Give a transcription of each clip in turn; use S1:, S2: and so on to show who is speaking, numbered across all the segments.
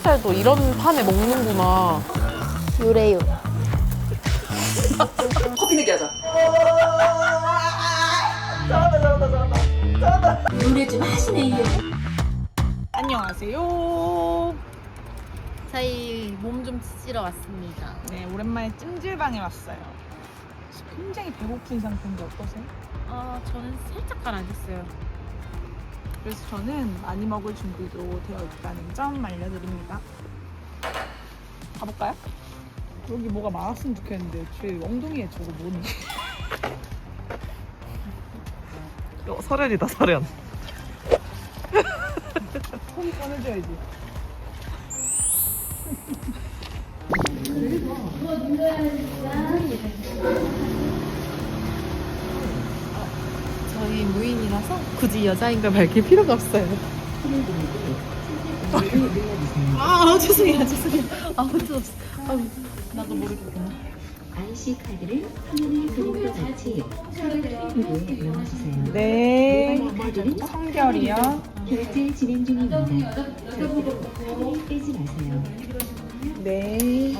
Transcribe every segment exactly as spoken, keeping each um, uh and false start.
S1: 삼겹살도 이런 판에 먹는구나.
S2: 요래요.
S3: 커피 내기 하자.
S2: 요래 좀 하시네 이게.
S4: 안녕하세요.
S2: 저희 몸 좀 찌러 왔습니다.
S4: 네, 오랜만에 찜질방에 왔어요. 굉장히 배고픈 상태인데 어떠세요?
S2: 아 저는 살짝 가라앉았어요.
S4: 그래서 저는 많이 먹을 준비도 되어 있다는 점 알려드립니다. 가볼까요? 여기 뭐가 많았으면 좋겠는데 제 엉덩이에 저거 뭐니?
S3: 어, 설현이다 설현.
S4: 손 꺼내줘야지.
S1: 저희 무인이라서 굳이 여자인 걸 밝힐 필요가 없어요. 아, 죄송해요, 죄송해요. 아, 어쩔 없어. 아, 나도 모르겠구나.
S5: 아이씨 카드를 화면에 그린 것 같이 서류 트랙에 넣어주세요.
S4: 네.
S5: 카드는
S4: 성결이요.
S5: 결제 진행 중입니다. 절대로 카드 빼지 마세요.
S4: 네.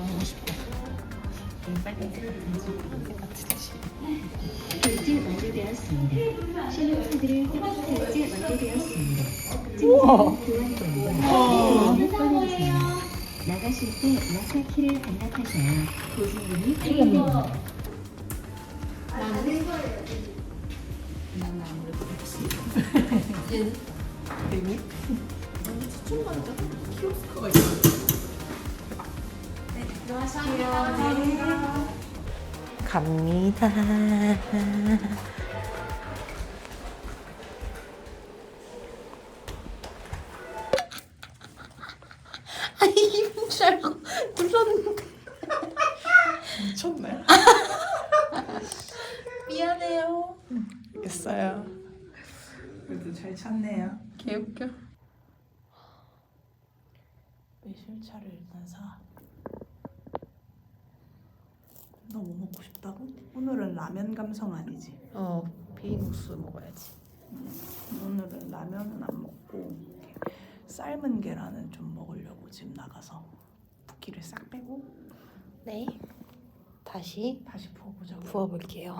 S5: 결제 완료되었습니다. 신용 카드를 결제 완료되었습니다.
S4: 우와.
S5: 교환권과 꺼내주세요. 나가실 때 마사키를 반납하셔야 보증금이 발생됩니다.
S1: 갑니다.
S2: 아니 힘줄 알고 눌렀는데.
S4: 미쳤네.
S2: 미안해요.
S4: 됐어요. 그래도 잘 찾네요.
S1: 개웃겨.
S4: 매실차를 일단 사. 너 뭐 먹고 싶다고? 오늘은 라면 감성 아니지?
S1: 어, 비빔국수 먹어야지.
S4: 오늘은 라면은 안 먹고 삶은 계란을 좀 먹으려고 지금 나가서 붓기를 싹 빼고
S1: 네. 다시
S4: 다시 부어보자고.
S1: 부어볼게요.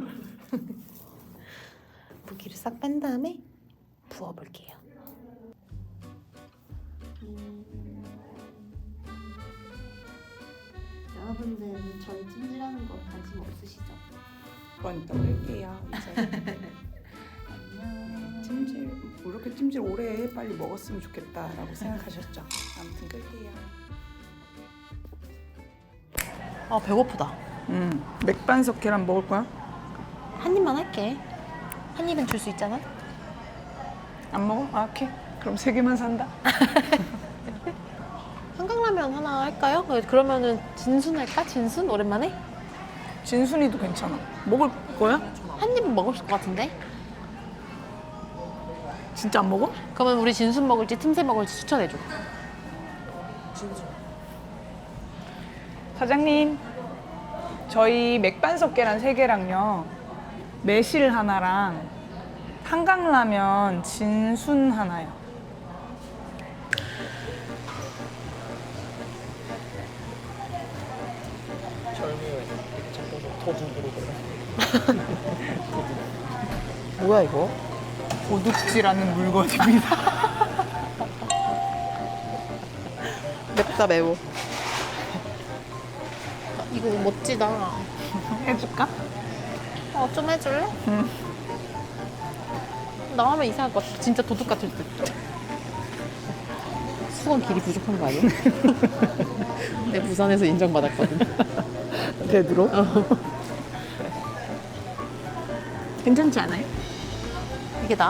S1: 붓기를 싹 뺀 다음에 부어볼게요.
S2: 여러분들은 저희 찜질하는 거 관심 없으시죠?
S4: 그건 이따 끌게요. 이제
S2: 안녕.
S4: 찜질 뭐 이렇게 찜질 오래 해 빨리 먹었으면 좋겠다라고 생각하셨죠? 아무튼 끌게요.
S1: 아, 배고프다.
S4: 음 맥반석 계란 먹을 거야?
S1: 한 입만 할게. 한 입은 줄 수 있잖아.
S4: 안 먹어? 아 오케이. 그럼 세 개만 산다.
S1: 한강라면 하나 할까요? 그러면은 진순 할까? 진순? 오랜만에?
S4: 진순이도 괜찮아. 먹을 거야?
S1: 한 입은 먹을 것 같은데?
S4: 진짜 안 먹어?
S1: 그러면 우리 진순 먹을지 틈새 먹을지 추천해줘.
S4: 사장님, 저희 맥반석 계란 세 개랑요, 매실 하나랑 한강라면 진순 하나요.
S1: 뭐야 이거?
S4: 도둑질하는 물건입니다.
S1: 맵다 매워. 이거 멋지다.
S4: 해줄까?
S1: 어, 좀 해줄래?
S4: 응.
S1: 나 하면 이상할 것 같아. 진짜 도둑 같을 듯. 수건 길이 부족한 거 아니야? 내 부산에서 인정받았거든.
S4: 되도록?
S1: 어.
S4: 괜찮지 않아요?
S1: 이게 나?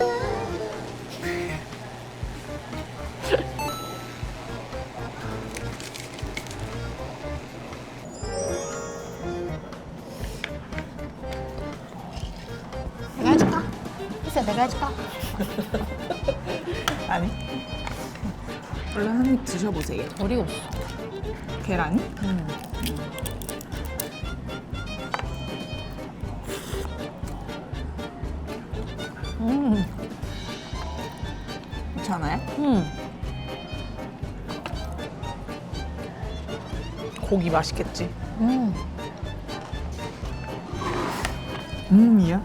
S1: 내가 해줄까? 글쎄, 내가 해줄까?
S4: 아니. 얼른 한 입 드셔보세요.
S1: 어리가 없어.
S4: 계란이?
S1: 음. 음.
S4: 괜찮아요?
S1: 음.
S4: 고기 맛있겠지.
S1: 음.
S4: 음이야?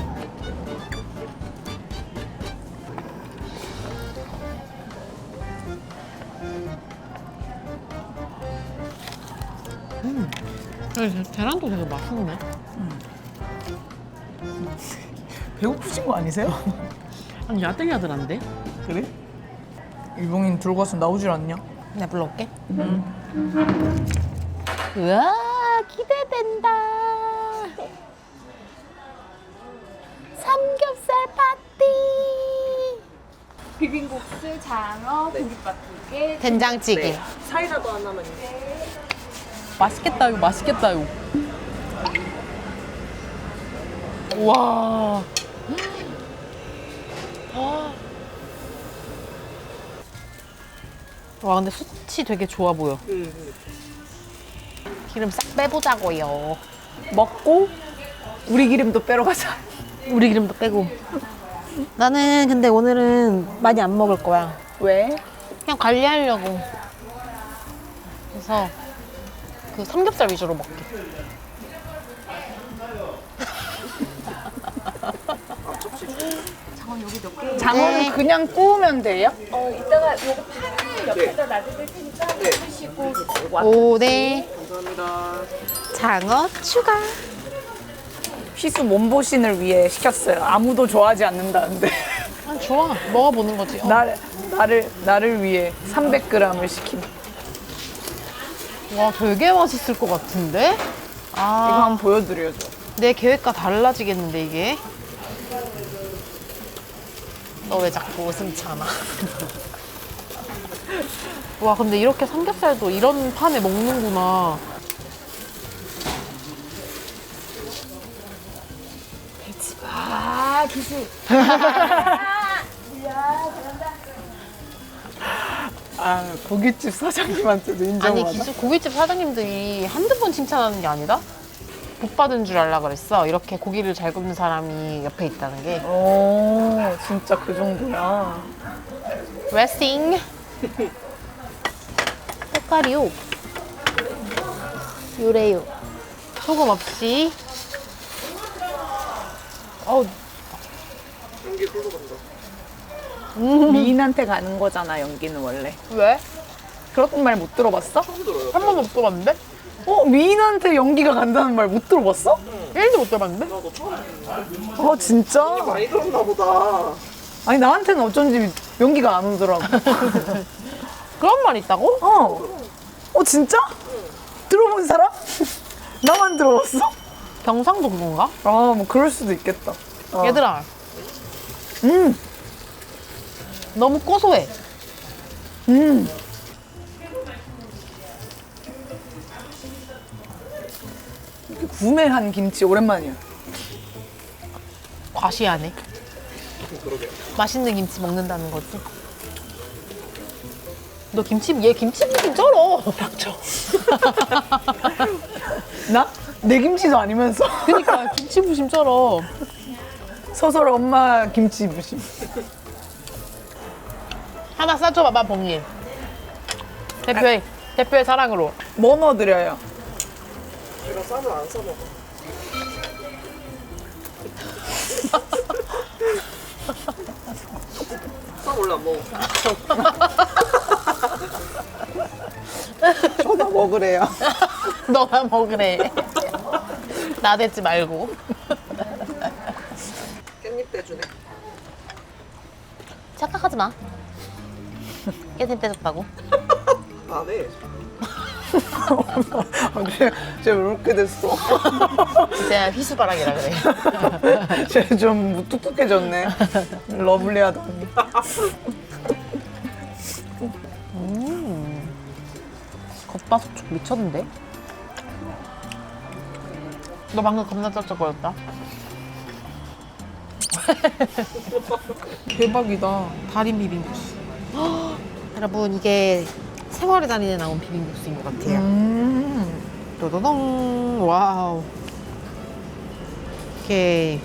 S1: 음. 계란도 되게 맛있네.
S4: 배고프신 거 아니세요?
S1: 아니 야들야들한데?
S4: 그래? 일봉인 들고 와서 나오질 않냐?
S1: 내가 불러올게. 우와 기대된다. 삼겹살 파티.
S2: 비빔국수, 장어, 고깃밥 두 개.
S1: 된장찌개.
S3: 사이다도 하나만요.
S1: 맛있겠다 이거 맛있겠다 이거. 우와. 와 근데 숯이 되게 좋아 보여.
S3: 응.
S1: 기름 싹 빼보자고요.
S4: 먹고 우리 기름도 빼러 가자.
S1: 우리 기름도 빼고. 나는 근데 오늘은 많이 안 먹을 거야.
S4: 왜?
S1: 그냥 관리하려고. 그래서 그 삼겹살 위주로 먹게.
S4: 장어는
S1: 네.
S4: 그냥 구우면 돼요?
S2: 어, 이따가 요거 판을 옆에다 놔드릴 테니까 드시고
S1: 오, 네.
S3: 감사합니다.
S1: 장어 추가.
S4: 희수 몸보신을 위해 시켰어요. 아무도 좋아하지 않는다는데.
S1: 아, 좋아. 먹어보는 거지. 어.
S4: 나, 나를, 나를 위해 삼백 그램을 시킨.
S1: 와, 되게 맛있을 것 같은데?
S4: 이거
S1: 아,
S4: 한번 보여드려줘.
S1: 내 계획과 달라지겠는데, 이게? 너 왜 자꾸 웃음 참아? 와, 근데 이렇게 삼겹살도 이런 판에 먹는구나.
S2: 아, 기술.
S4: 아, 고깃집 사장님한테도
S1: 아니,
S4: 인정받아.
S1: 기수 고깃집 사장님들이 한두 번 칭찬하는 게 아니다? 복 받은 줄 알라 그랬어. 이렇게 고기를 잘 굽는 사람이 옆에 있다는 게.
S4: 오, 진짜 그 정도야.
S1: 레싱. 색깔이요. 요래요. 소금 없이. 어우,
S3: 연기 흘러 간다.
S4: 미인한테 가는 거잖아, 연기는 원래.
S1: 왜?
S4: 그런 말 못 들어봤어?
S3: 처음 들어요.
S1: 한 번도 못 들어봤는데?
S4: 어, 미인한테 연기가 간다는 말 못 들어봤어?
S1: 일도 못 들어봤는데?
S3: 나도 처음 듣는데.
S4: 어, 진짜?
S3: 많이 들었나 보다.
S4: 아니, 나한테는 어쩐지 연기가 안 오더라고.
S1: 그런 말 있다고?
S4: 어. 어, 진짜? 들어본 사람? 나만 들어봤어?
S1: 경상도 그건가?
S4: 아, 뭐 그럴 수도 있겠다. 어.
S1: 얘들아,
S4: 음,
S1: 너무 고소해.
S4: 음. 이렇게 구매한 김치 오랜만이야.
S1: 과시하네.
S3: 그러게.
S1: 맛있는 김치 먹는다는 거지. 너 김치, 얘 김치 무슨 쩔어. 닥쳐.
S4: 나? 내 김치도 아니면서.
S1: 그니까 김치 부심 쩔어.
S4: 서설 엄마 김치 무심.
S1: 하나 싸줘봐봐, 봉일. 대표의, 대표의 사랑으로.
S4: 뭐 넣어드려요?
S3: 제가 쌈을 안 싸먹어. 쌈 원래 안 먹어.
S4: 저도 먹으래요.
S1: 너만 먹으래. 나대지 말고.
S3: 깻잎 떼주네.
S1: 착각하지 마. 깻잎 떼줬다고.
S3: 안 해.
S4: 쟤, 쟤왜 이렇게 됐어?
S1: 이제 희수바람이라 그래.
S4: 쟤 좀 무뚝뚝해졌네. 러블리하더니.
S1: 겉바속촉 미쳤는데? 너 방금 겁나 쩔쩔거렸다.
S4: 대박이다.
S1: 달인 비빔국수. 여러분 이게 생활의 달인에 나온 비빔국수인 것 같아요.
S4: 음.
S1: 도도동 와우. 오케이.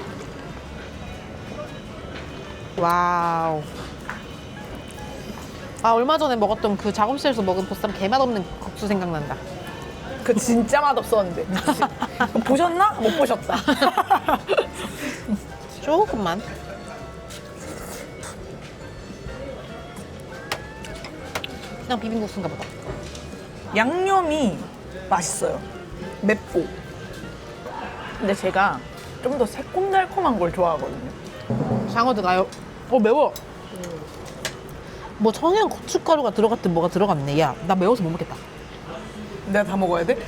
S1: 와우. 아 얼마 전에 먹었던 그 작업실에서 먹은 보쌈 개맛없는 국수 생각난다.
S4: 그 진짜 맛없었는데. 그치? 보셨나? 못 보셨다.
S1: 조금만. 그냥 비빔국수인가 보다.
S4: 양념이 맛있어요. 맵고. 근데 제가 좀 더 새콤달콤한 걸 좋아하거든요.
S1: 장어 들어가요. 어 매워. 뭐 청양 고춧가루가 들어갔든 뭐가 들어갔네. 야, 나 매워서 못 먹겠다.
S4: 내가 다 먹어야 돼?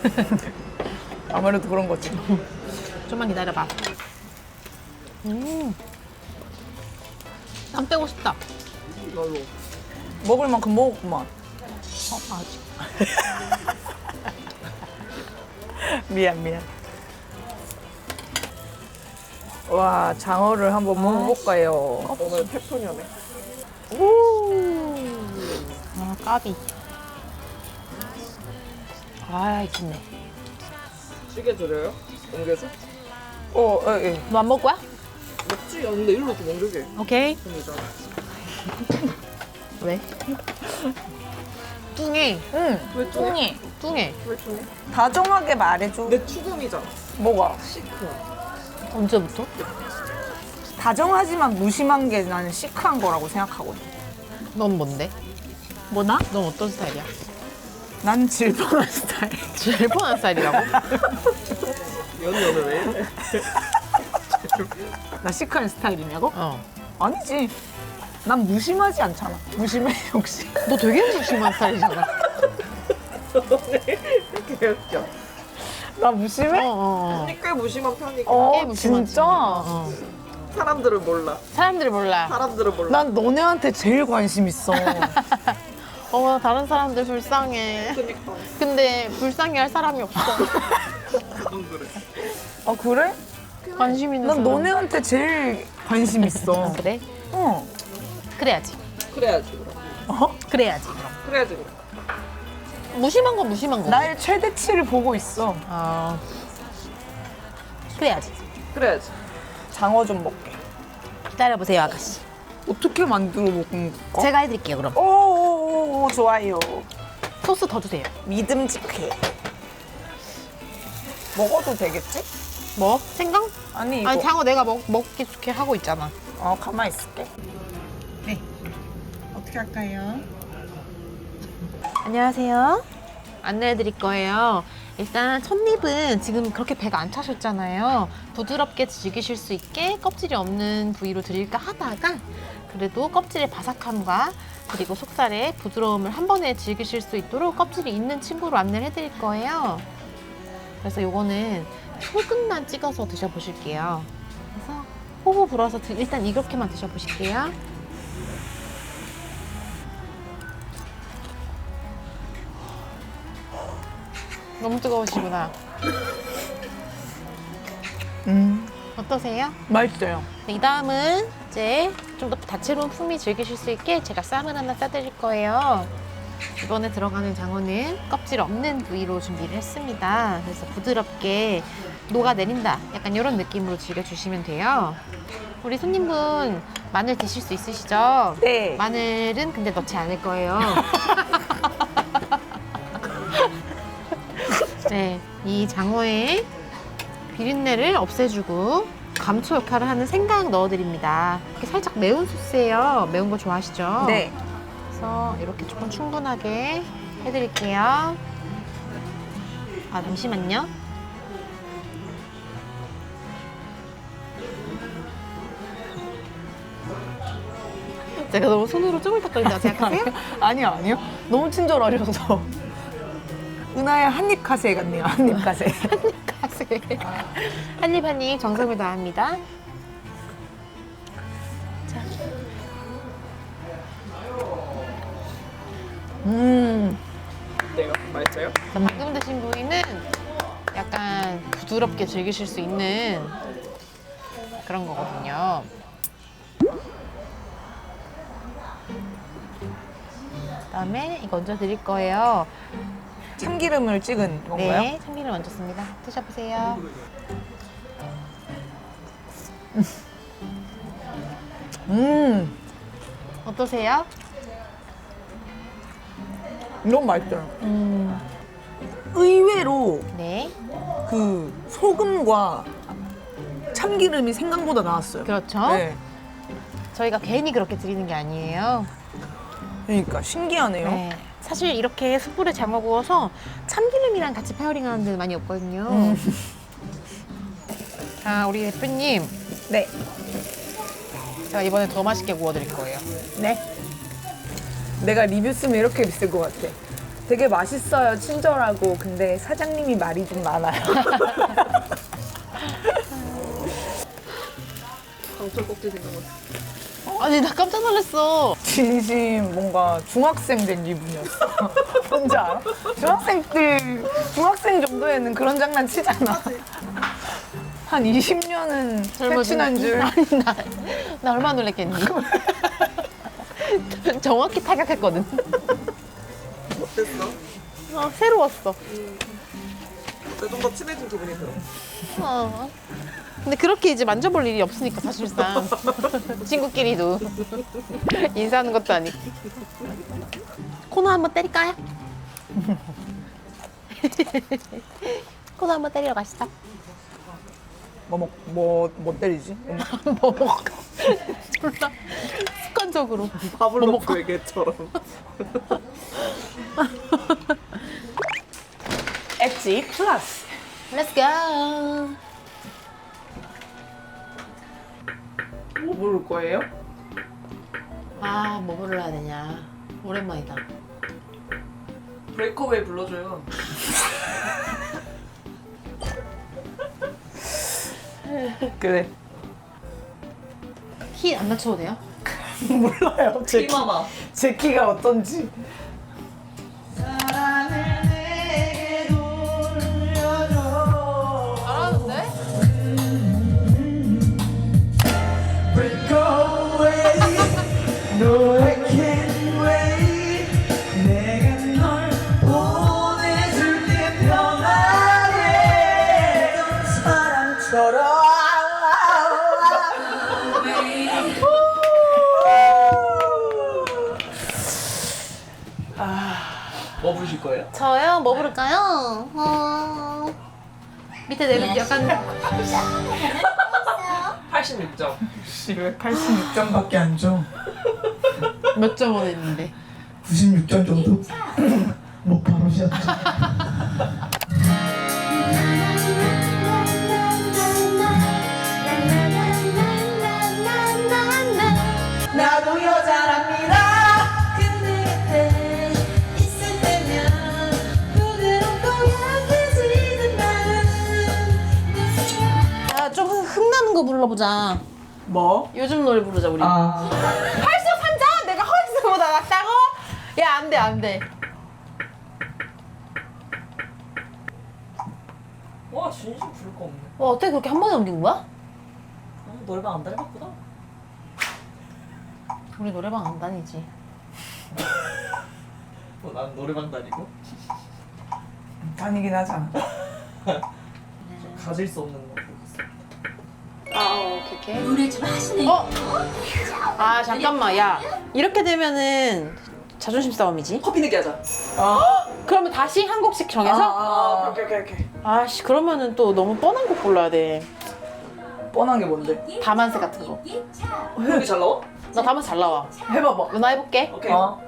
S4: 아무래도 그런 거지.
S1: 좀만 기다려봐. 음. 안 빼고 싶다.
S3: 나도.
S4: 먹을 만큼 먹었구만.
S1: 어, 아직.
S4: 미안, 미안. 와, 장어를 한번 먹어볼까요?
S3: 오늘 페토녀네.
S1: 아, 까비. 아, 좋네.
S3: 찌개 드려요? 옮겨서?
S4: 어, 예, 예.
S1: 너 안 먹을 거야?
S3: 먹지? 야, 근데 일로 좀 옮겨게.
S1: 오케이.
S3: 편이잖아.
S1: 왜? 뚱해.
S4: 응,
S3: 왜 뚱해?
S4: 뚱이.
S1: 뚱해.
S3: 왜 뚱해?
S4: 다정하게 말해줘.
S3: 내 추금이잖아.
S4: 뭐가?
S3: 시크.
S1: 언제부터?
S4: 다정하지만 무심한 게 나는 시크한 거라고 생각하거든.
S1: 넌 뭔데?
S4: 뭐나?
S1: 넌 어떤 스타일이야?
S4: 난 질펀한 스타일.
S1: 제일 뻔한 스타일이라고?
S3: 연이 오늘 왜 이래?
S4: 나 시크한 스타일이냐고?
S1: 어.
S4: 아니지. 난 무심하지 않잖아. 무심해, 혹시?
S1: 너 되게 무심한 스타일이잖아.
S3: 개 웃겨.
S4: 나
S1: 어,
S4: 무심해?
S1: 어, 어.
S3: 언니 꽤 무심한 편이고
S4: 어,
S1: 꽤 무심하지.
S4: 진짜?
S1: 어, 어.
S3: 사람들을 몰라.
S1: 사람들이 몰라.
S3: 사람들을 몰라.
S4: 난 너네한테 제일 관심 있어.
S1: 어, 다른 사람들 불쌍해.
S3: 그니까.
S1: 근데 불쌍해 할 사람이 없어.
S4: 아, 그래?
S1: 관심 있는
S4: 난
S1: 사람.
S4: 너네한테 제일 관심 있어.
S1: 그래?
S4: 어.
S1: 그래야지.
S3: 그래야지 그럼.
S4: 어?
S1: 그래야지.
S3: 그래야지 그럼.
S1: 무심한 건 무심한 거.
S4: 나의 최대치를 보고 있어.
S1: 아. 그래야지.
S3: 그래야지.
S4: 장어 좀 먹게.
S1: 기다려보세요, 아가씨.
S4: 어떻게 만들어 먹는 거?
S1: 제가 해드릴게요, 그럼.
S4: 오오오 좋아요.
S1: 소스 더 주세요.
S4: 믿음직해. 먹어도 되겠지?
S1: 뭐? 생강?
S4: 아니 이거.
S1: 아니, 장어 내가 먹, 먹기 좋게 하고 있잖아.
S4: 어 가만 있을게.
S1: 네.
S4: 어떻게 할까요?
S1: 안녕하세요. 안내해드릴 거예요. 일단 첫입은 지금 그렇게 배가 안 차셨잖아요. 부드럽게 즐기실 수 있게 껍질이 없는 부위로 드릴까 하다가 그래도 껍질의 바삭함과 그리고 속살의 부드러움을 한 번에 즐기실 수 있도록 껍질이 있는 친구로 안내를 해드릴 거예요. 그래서 요거는 소금만 찍어서 드셔보실게요. 그래서 호호 불어서 드- 일단 이렇게만 드셔보실게요. 너무 뜨거우시구나.
S4: 음
S1: 어떠세요?
S4: 맛있어요.
S1: 네, 이 다음은 이제 좀 더 다채로운 풍미 즐기실 수 있게 제가 쌈을 하나 싸드릴 거예요. 이번에 들어가는 장어는 껍질 없는 부위로 준비를 했습니다. 그래서 부드럽게 녹아내린다. 약간 이런 느낌으로 즐겨주시면 돼요. 우리 손님분 마늘 드실 수 있으시죠?
S4: 네.
S1: 마늘은 근데 넣지 않을 거예요. 네, 이 장어의 비린내를 없애주고 감초 역할을 하는 생강 넣어드립니다. 이렇게 살짝 매운 소스예요. 매운 거 좋아하시죠?
S4: 네.
S1: 그래서 이렇게 조금 충분하게 해드릴게요. 아, 잠시만요. 제가 너무 손으로 쪼물딱거린다고 생각하세요?
S4: 아니요 아니요. 너무 친절하셔서. 은하의 한입 카세 같네요. 한입 카세.
S1: 가세. 한입 한입 정성을 다합니다. 자,
S4: 음.
S3: 어때요? 맛있어요?
S1: 방금 드신 부위는 약간 부드럽게 즐기실 수 있는 그런 거거든요. 그다음에 이거 얹어 드릴 거예요.
S4: 참기름을 찍은 건가요?
S1: 네, 참기름 얹었습니다. 드셔보세요.
S4: 음.
S1: 어떠세요?
S4: 너무 맛있어요.
S1: 음.
S4: 의외로
S1: 네.
S4: 그 소금과 참기름이 생각보다 나왔어요.
S1: 그렇죠.
S4: 네.
S1: 저희가 괜히 그렇게 드리는 게 아니에요.
S4: 그러니까 신기하네요.
S1: 네. 사실 이렇게 숯불에 장어 구워서 참기름이랑 같이 페어링하는 데는 많이 없거든요.
S4: 음.
S1: 자, 우리 대표님.
S4: 네.
S1: 제가 이번에 더 맛있게 구워드릴 거예요.
S4: 네. 내가 리뷰 쓰면 이렇게 있을 것 같아. 되게 맛있어요, 친절하고. 근데 사장님이 말이 좀 많아요.
S3: 강철 꼭지 생각났어.
S1: 아니, 나 깜짝 놀랐어.
S4: 진심 뭔가 중학생 된 기분이었어. 뭔지 알아? 중학생들, 중학생 정도에는 그런 장난 치잖아. 한 이십 년은 패친한 줄.
S1: 아니, 나, 나 얼마나 놀랬겠니? 정확히 타격했거든.
S3: 어땠어?
S1: 어, 새로웠어.
S3: 좀 더 친해진 기분이 들어.
S1: 어. 근데 그렇게 이제 만져볼 일이 없으니까 사실상 친구끼리도 인사하는 것도 아니고. 코너 한번 때릴까요? 코너 한번 때리러 가시죠.
S4: 뭐, 뭐, 뭐, 뭐 때리지? 음.
S1: 뭐 먹을까? 몰라. 습관적으로.
S3: 파블로프의 개처럼.
S4: 엣지 플러스.
S1: Let's go.
S3: 뭐 부를 거예요?
S1: 아, 뭐 불러야 되냐. 오랜만이다.
S3: 브레이크웨이 불러줘요.
S4: 그래.
S1: 키 안 낮춰도 돼요?
S4: 몰라요. 제, 키,
S3: 피마마.
S4: 제 키가 어떤지.
S1: 잘하는데?
S3: 뭐 부르실 거예요?
S1: 저요? 뭐 부를까요? 어... 밑에 내려 약간
S3: 팔십육 점.
S6: 팔십육 점밖에 안 줘.
S1: 몇 점 원했는데.
S6: 구십육 점 정도? 뭐 바로 시작하자.
S4: 나도 여자랍니다.
S2: 근데 곁에 있을 때면 부드럽고 약해지는 마음.
S1: 야, 좀 흥나는 거 불러보자.
S4: 뭐?
S1: 요즘 노래 부르자, 우리.
S6: 아,
S1: 헐스 삼자? 내가 헐스보다 낫다고? 야, 안 돼, 안 돼.
S3: 와 진심 부를 거 없네.
S1: 와, 어떻게 그렇게 한 번에 넘긴 거야?
S3: 아, 노래방 안 다녀봤구나.
S1: 우리 노래방 안 다니지.
S3: 어, 난 노래방 다니고
S4: 다니긴 하잖아.
S3: 가질 수 없는 거 부르고 있어.
S1: 아, 오케이, 오케이.
S2: 노래 좀 하시네.
S1: 어? 아, 잠깐만, 야. 이렇게 되면은 자존심 싸움이지?
S3: 커피 내기 하자.
S1: 그러면 다시 한 곡씩 정해서?
S4: 아, 오케이, 오케이, 오케이.
S1: 아씨, 그러면은 또 너무 뻔한 곡 골라야 돼.
S4: 뻔한 게 뭔데?
S1: 다만세 같은 거.
S3: 여기 잘 나와?
S1: 나 다만세 잘 나와.
S4: 해봐봐.
S1: 누나 해볼게.
S3: 오케이.
S4: 어.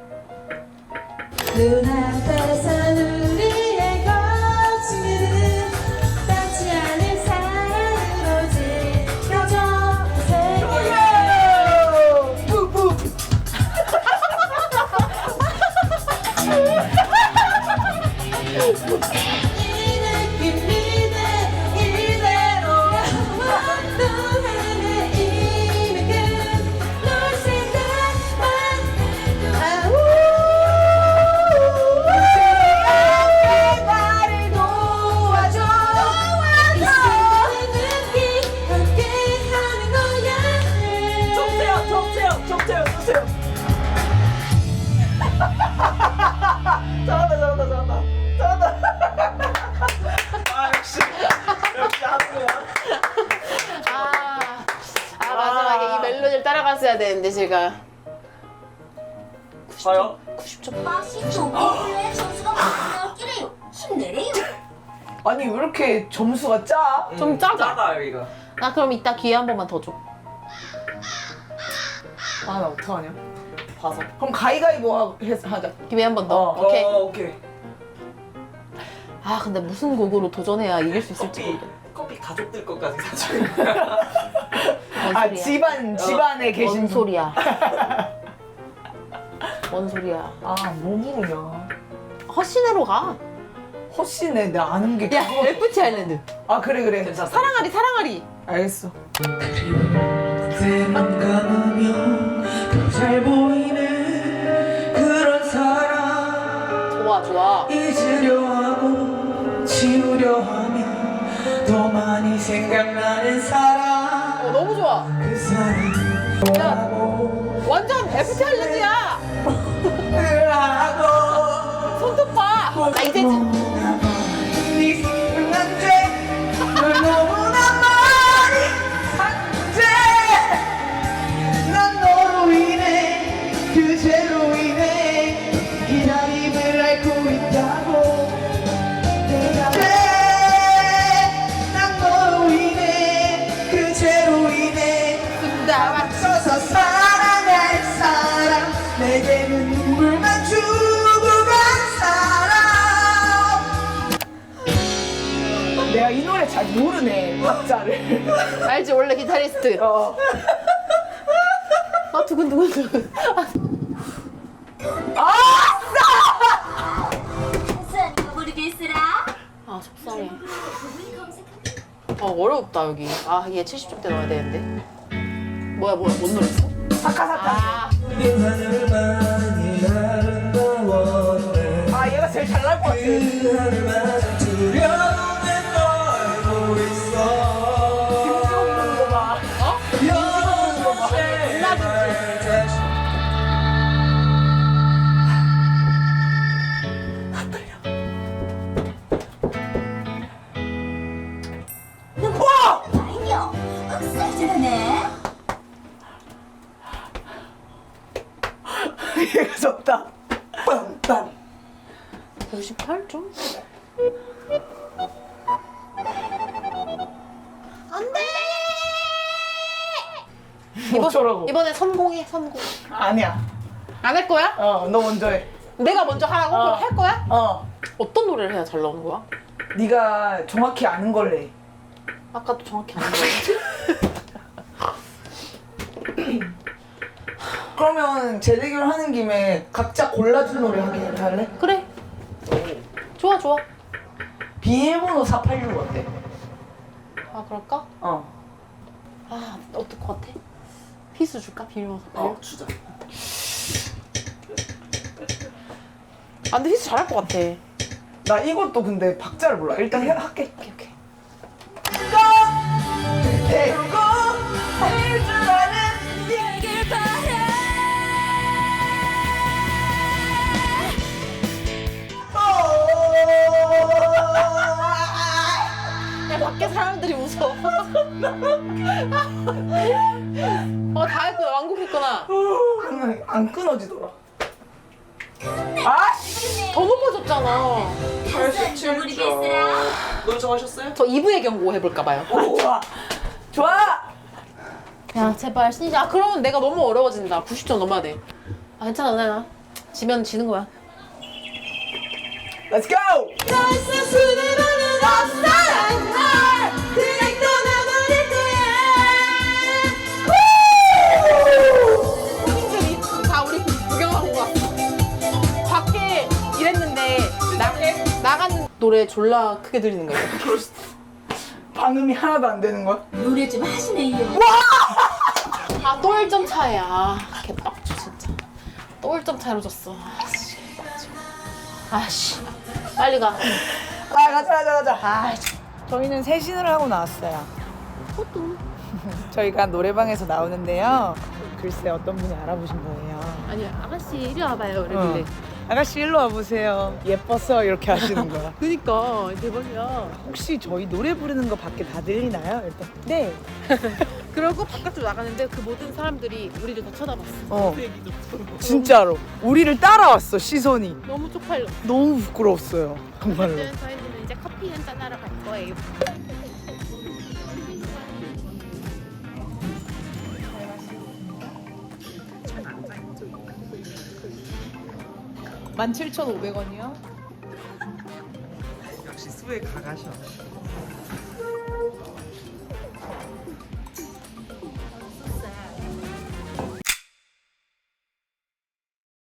S2: 눈앞에서 우리의 거침은 닿지 않을 사랑으로 지켜져 이 느낌 이대 이대로야 또 하나 이미 끝널 생각만 해도 나를 도와줘 이 순간의 느낌 함께 하는 거야
S3: 정태영, 정태영, 정태영, 정태영. 잘한다, 잘한다, 잘한다, 잘한다. 아 역시, 역시 하는 거야.
S1: 아, 아 마지막에 이 멜로디를 따라갔어야 되는데 제가
S3: 봐요.
S1: 구십 점.
S2: 맛이 좋길래 점수가 많이 나왔기래요. 힘내래요.
S4: 아니 왜 이렇게 점수가 짜?
S1: 좀 짜다.
S3: 짜다 여기가.
S1: 나 그럼 이따 기회 한 번만 더 줘.
S4: 아 나 어떡하냐?
S3: 봐서.
S4: 그럼 가위가위보 하- 해서 하자.
S1: 기회 한 번 더.
S4: 어.
S1: 오케이.
S3: 어, 오케이.
S1: 아 근데 무슨 곡으로 도전해야 이길 수 있을지
S3: 커피,
S1: 모르겠네.
S3: 커피 가족들 것까지 사줘.
S1: 뭔
S4: 아
S1: 소리야?
S4: 집안 집안에 계신
S1: 뭔
S4: 분.
S1: 소리야? 뭔 소리야?
S4: 아뭐 부르냐?
S1: 허신으로 가.
S4: 허씨네 나 아는 게
S1: 야,
S4: 그거.
S1: 에프티 아일랜드.
S4: 아 그래 그래.
S3: 괜찮아.
S1: 사랑하리, 사랑하리.
S4: 알겠어.
S6: 눈 감으면 더 잘 보이는 그런 사람
S1: 좋아, 좋아.
S6: 잊으려 하고 지우려 하면 더 많이 생각나는 사람
S1: 어, 너무 좋아.
S6: 그 사람 좋아하고
S1: 완전 에프티 아일랜드야.
S6: 하고
S1: 손톱 봐. 나 이제
S6: 너무나 많이 생각난데 널 너무나 많이 산대 난 너로 인해 그제로 인해 기다림을 앓고 있다고 내가 왜난 너로 인해 그제로 인해
S1: 나
S6: 맞춰서 사랑할 사람 내게는 눈물만 주고 간 사람
S4: 내가 이 노래 잘 모르네 박자를.
S1: 알지 원래 기타리스트.
S4: 어.
S1: 아 두근 두근 두근.
S2: 한산 이거 모르겠으라.
S1: 아 속상해. 아 어렵다 여기. 아 얘 칠십 점대 넣어야 되는데. 뭐야 뭐야 뭔 노래였어?
S4: 사카사카.
S1: 아
S6: 하늘만이 아름다웠네
S4: 아 얘가 제일 잘 나올 것 같아.
S6: 그 하늘만 두려움에 떨고 있어
S4: 김지원 부르는 거 봐.
S6: 연못에 다시
S2: 아니요. 흑살 잘하네.
S4: 얘가 졌다. 빰빰.
S1: 오십팔 점? 안돼.
S4: 어쩌라고?
S1: 이번에 성공해 성공.
S4: 아니야.
S1: 안 할 거야?
S4: 어, 너 먼저 해.
S1: 내가 먼저 하라고?
S4: 어.
S1: 그럼 할 거야?
S4: 어.
S1: 어떤 노래를 해야 잘 나오는 거야?
S4: 네가 정확히 아는 걸로 해.
S1: 아까도 정확히 안 했는데.
S4: 그러면 재대결 하는 김에 각자 골라준 노래 하게 할래?
S1: 그래. 좋아 좋아.
S4: 비밀번호 사팔육 어때?
S1: 아 그럴까?
S4: 어.
S1: 아 어떨 것 같아? 피스 줄까? 비밀번호
S3: 어, 주자.
S1: 아 근데 피스 잘할 것 같아.
S4: 나 이것도 근데 박자를 몰라. 일단 해, 할게.
S1: 오케이 오케이.
S4: 대고 할줄 아는
S1: 야 밖에 사람들이 웃어. 어다 했구나 완곡했구나.
S4: 안, 안 끊어지더라. 아!
S1: 더 높아졌잖아.
S2: 한산 이거 모르겠으라.
S3: 노래 정하셨어요?
S1: 저 이 부의 경고 해볼까 봐요.
S4: 좋아. 좋아.
S1: 야 제발 신이지. 아 그러면 내가 너무 어려워진다. 구십 점 넘어야 돼. 아 괜찮아 누나. 지면 지는 거야.
S4: Let's go.
S1: 손님들이 다 우리 구경하고 왔어. 밖에 일했는데 나, 나가는 노래 졸라 크게 들리는 거야.
S4: 방음이 하나도 안 되는 거야?
S2: 노래 좀 하시네요.
S1: 아 또 일 점 차이야. 아, 개빡쳐 진짜. 또 일 점 차이로 졌어. 아씨 개빡쳐. 아씨 빨리 가.
S4: 아 가자 가자 가자.
S1: 아
S4: 저희는 세신을 하고 나왔어요. 저희가 노래방에서 나오는데요. 글쎄 어떤 분이 알아보신 거예요.
S1: 아니 아가씨 이리 와봐요 이러길래
S4: 아가씨 일로 와보세요. 예뻐서 이렇게 하시는 거야.
S1: 그니까 대박이야.
S4: 혹시 저희 노래 부르는 거 밖에 다 들리나요? 일단 네.
S1: 그러고 바깥으로 나가는데 그 모든 사람들이 우리를 다 쳐다봤어.
S4: 어 진짜로 우리를 따라왔어 시선이.
S1: 너무 쪽팔려.
S4: 너무 부끄러웠어요 정말로.
S1: 어쨌든 저희는 이제 커피 한잔 하러 갈 거예요.
S4: 만 칠천오백 원이요?
S3: 역시 수에 가가셔.